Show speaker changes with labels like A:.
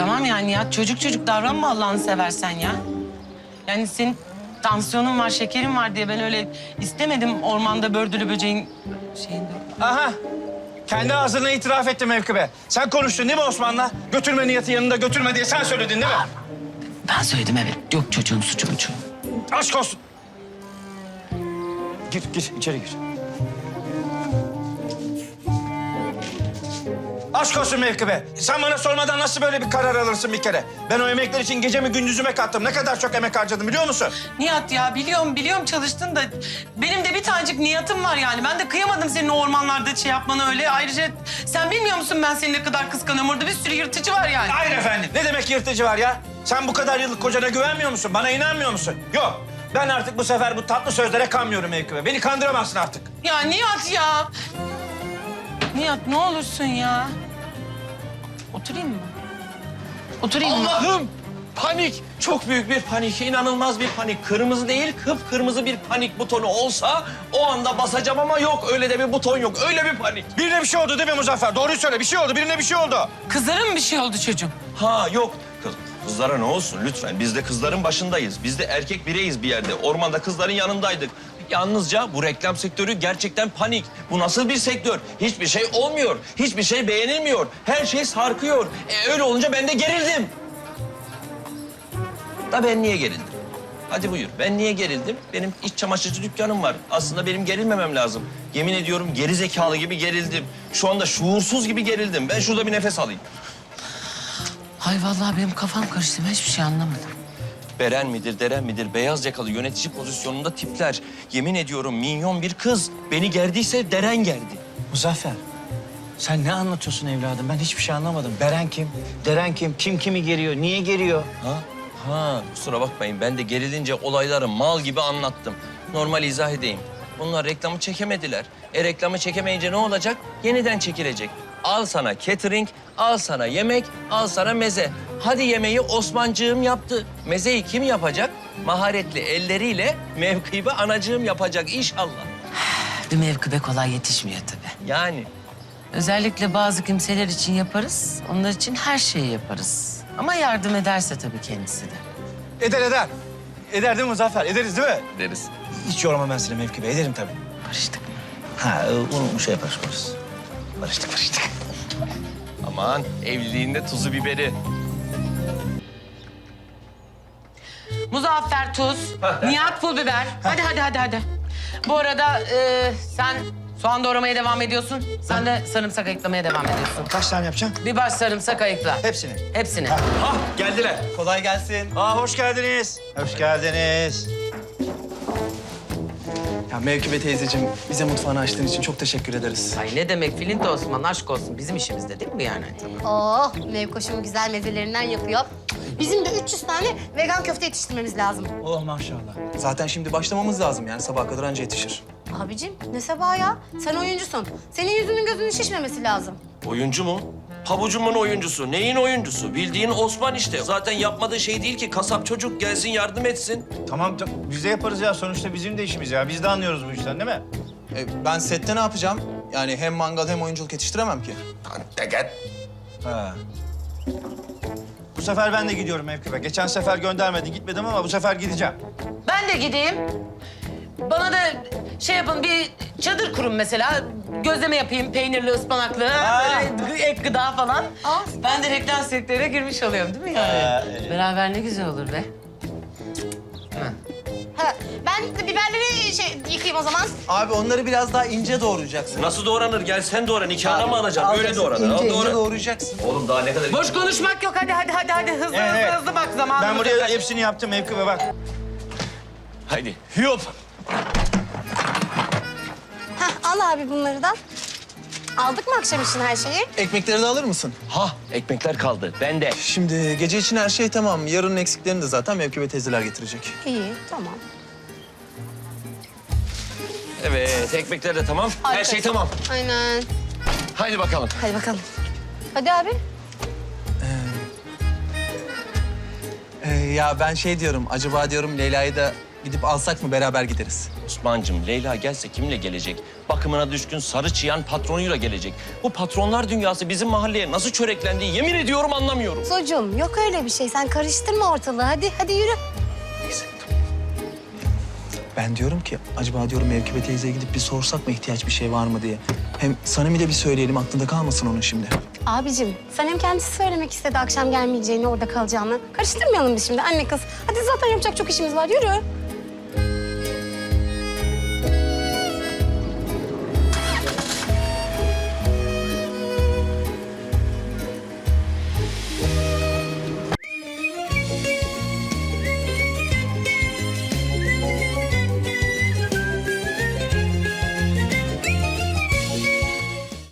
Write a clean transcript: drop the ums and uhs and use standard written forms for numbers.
A: tamam yani ya. Çocuk davranma Allah'ını seversen ya. Yani senin tansiyonun var, şekerin var diye ben öyle istemedim ormanda bördülü böceğin şeyinde.
B: Aha. Kendi ağzına itiraf etti Mevkibe. Sen konuştun değil mi Osman'la? Götürme niyeti yanında götürme diye sen söyledin değil mi?
A: Ben söyledim evet. Yok çocuğun suçu.
B: Aşk olsun. Gir içeri gir. Aşk olsun Mevkibe. Sen bana sormadan nasıl böyle bir karar alırsın bir kere? Ben o emekler için gecemi gündüzüme kattım. Ne kadar çok emek harcadım biliyor musun?
A: Nihat ya biliyorum çalıştın da benim de bir tanecik niyetim var yani. Ben de kıyamadım senin o ormanlarda şey yapmanı öyle. Ayrıca sen bilmiyor musun ben seni ne kadar kıskanıyorum? Orada bir sürü yırtıcı var yani.
B: Hayır efendim. Ne demek yırtıcı var ya? Sen bu kadar yıllık kocana güvenmiyor musun? Bana inanmıyor musun? Yok. Ben artık bu sefer bu tatlı sözlere kanmıyorum Mevkibe. Beni kandıramazsın artık.
A: Ya Nihat ya. Nihat ne olursun ya. Oturayım mı? Oturayım mı?
C: Allah'ım! Panik! Çok büyük bir panik, inanılmaz bir panik. Kırmızı değil, kıpkırmızı bir panik butonu olsa o anda basacağım ama yok. Öyle de bir buton yok, öyle bir panik.
B: Birine bir şey oldu değil mi Muzaffer? Doğruyu söyle. Bir şey oldu. Birine bir şey oldu.
A: Kızlara mı bir şey oldu çocuğum?
C: Ha yok. Kızlara ne olsun lütfen. Biz de kızların başındayız. Biz de erkek bireyiz bir yerde. Ormanda kızların yanındaydık. Yalnızca bu reklam sektörü gerçekten panik. Bu nasıl bir sektör? Hiçbir şey olmuyor. Hiçbir şey beğenilmiyor. Her şey sarkıyor. Öyle olunca ben de gerildim. Da ben niye gerildim? Hadi buyur. Ben niye gerildim? Benim iç çamaşırcı dükkanım var. Aslında benim gerilmemem lazım. Yemin ediyorum geri zekalı gibi gerildim. Şu anda şuursuz gibi gerildim. Ben şurada bir nefes alayım.
A: Hay vallahi benim kafam karıştı. Ben hiçbir şey anlamadım.
C: Beren midir, Deren midir, beyaz yakalı yönetici pozisyonunda tipler. Yemin ediyorum minyon bir kız. Beni gerdiyse Deren gerdi.
B: Muzaffer, sen ne anlatıyorsun evladım? Ben hiçbir şey anlamadım. Beren kim? Deren kim? Kim kimi geriyor? Niye geriyor?
C: Ha, kusura bakmayın. Ben de gerilince olayları mal gibi anlattım. Normal izah edeyim. Bunlar reklamı çekemediler. Reklamı çekemeyince ne olacak? Yeniden çekilecek. Al sana catering, al sana yemek, al sana meze. Hadi yemeği Osmancığım yaptı. Mezeyi kim yapacak? Maharetli elleriyle Mevkibe anacığım yapacak inşallah.
A: Bir mevkibe kolay yetişmiyor tabii.
C: Yani
A: Özellikle bazı kimseler için yaparız. Onlar için her şeyi yaparız. Ama yardım ederse tabii kendisi de.
B: Eder. Eder değil mi Muzaffer? Ederiz değil mi?
C: deriz.
B: Hiç yormam ben seni Mevkibe. Ederim tabii.
A: Barıştık mı?
B: Ha, onu şey yaparız. Barıştık.
C: Aman evliliğinde tuzu biberi.
A: Muzaffer tuz, Nihat pul biber. Hadi. Bu arada sen soğan doğramaya devam ediyorsun. Sen de sarımsak ayıklamaya devam ediyorsun.
B: Kaç tane yapacaksın?
A: Bir baş sarımsak ayıkla.
B: Hepsini.
A: Hepsini.
C: Hah geldiler.
B: Kolay gelsin. Hoş geldiniz. Hoş geldiniz.
D: Ya Mevkibe teyzeciğim, bize mutfağını açtığın için çok teşekkür ederiz.
A: Ay ne demek Filinta Osman aşk olsun. Bizim işimizde değil mi yani?
E: Oh, Mevkoş'un güzel mezelerinden yapıyor. Bizim de 300 tane vegan köfte yetiştirmemiz lazım.
B: Oh maşallah.
D: Zaten şimdi başlamamız lazım yani sabaha kadar anca yetişir.
E: Abicim ne sabah ya? Sen oyuncusun. Senin yüzünün gözünün şişmemesi lazım.
C: Oyuncu mu? Pabucumun oyuncusu. Neyin oyuncusu? Bildiğin Osman işte. Zaten yapmadığı şey değil ki. Kasap çocuk gelsin yardım etsin.
B: Tamam biz de yaparız ya. Sonuçta bizim de işimiz ya. Biz de anlıyoruz bu işten değil mi?
D: Ben sette ne yapacağım? Yani hem mangal hem oyunculuk yetiştiremem ki.
B: Ha. Bu sefer ben de gidiyorum Mevkibe. Geçen sefer göndermedin gitmedim ama bu sefer gideceğim.
A: Ben de gideyim. Bana da şey yapın bir çadır kurun mesela. Gözleme yapayım peynirli, ıspanaklı, böyle ek gıda falan. Ben de reklam sektörüne girmiş oluyorum değil mi yani? Beraber ne güzel olur be.
E: Ha, ben de biberleri yıkayayım o zaman.
D: Abi onları biraz daha ince doğrayacaksın.
C: Nasıl doğranır? Gel sen doğra. Nikahına mı alacaksın? Öyle doğranır. Al,
D: İnce
C: doğra.
D: doğrayacaksın.
C: Oğlum daha ne kadar...
A: Boş konuşmak yok. Hadi. Hızlı bak zamanımız.
B: Ben buraya hepsini yaptım Mevkibe bak.
C: Haydi. Hüyop.
E: Hah, al abi bunları da. Aldık mı akşam için her şeyi?
D: Ekmekleri de alır mısın?
C: Ha ekmekler kaldı. Ben de.
D: Şimdi gece için her şey tamam. Yarının eksiklerini de zaten Mevkibe teyzeler getirecek.
E: İyi, tamam.
C: Evet ekmekler de tamam. Her
E: Harika.
C: şey tamam.
E: Aynen.
C: Haydi bakalım.
E: Hadi bakalım. Hadi abi.
D: Ya ben şey diyorum, acaba diyorum Leyla'yı da gidip alsak mı beraber gideriz.
C: Osman'cığım Leyla gelse kimle gelecek? Bakımına düşkün sarı çıyan patronuyla gelecek. Bu patronlar dünyası bizim mahalleye nasıl çöreklendi yemin ediyorum anlamıyorum.
E: Zocuğum yok öyle bir şey. Sen karıştırma ortalığı. Hadi yürü.
D: Neyse. Ben diyorum ki acaba diyorum Mevkibe teyzeye gidip bir sorsak mı ihtiyaç bir şey var mı diye. Hem Sanem'i de bir söyleyelim aklında kalmasın onun şimdi.
E: Abicim sen hem kendisi söylemek istedi akşam gelmeyeceğini, orada kalacağını. Karıştırmayalım biz şimdi anne kız. Hadi zaten yapacak çok işimiz var. Yürü.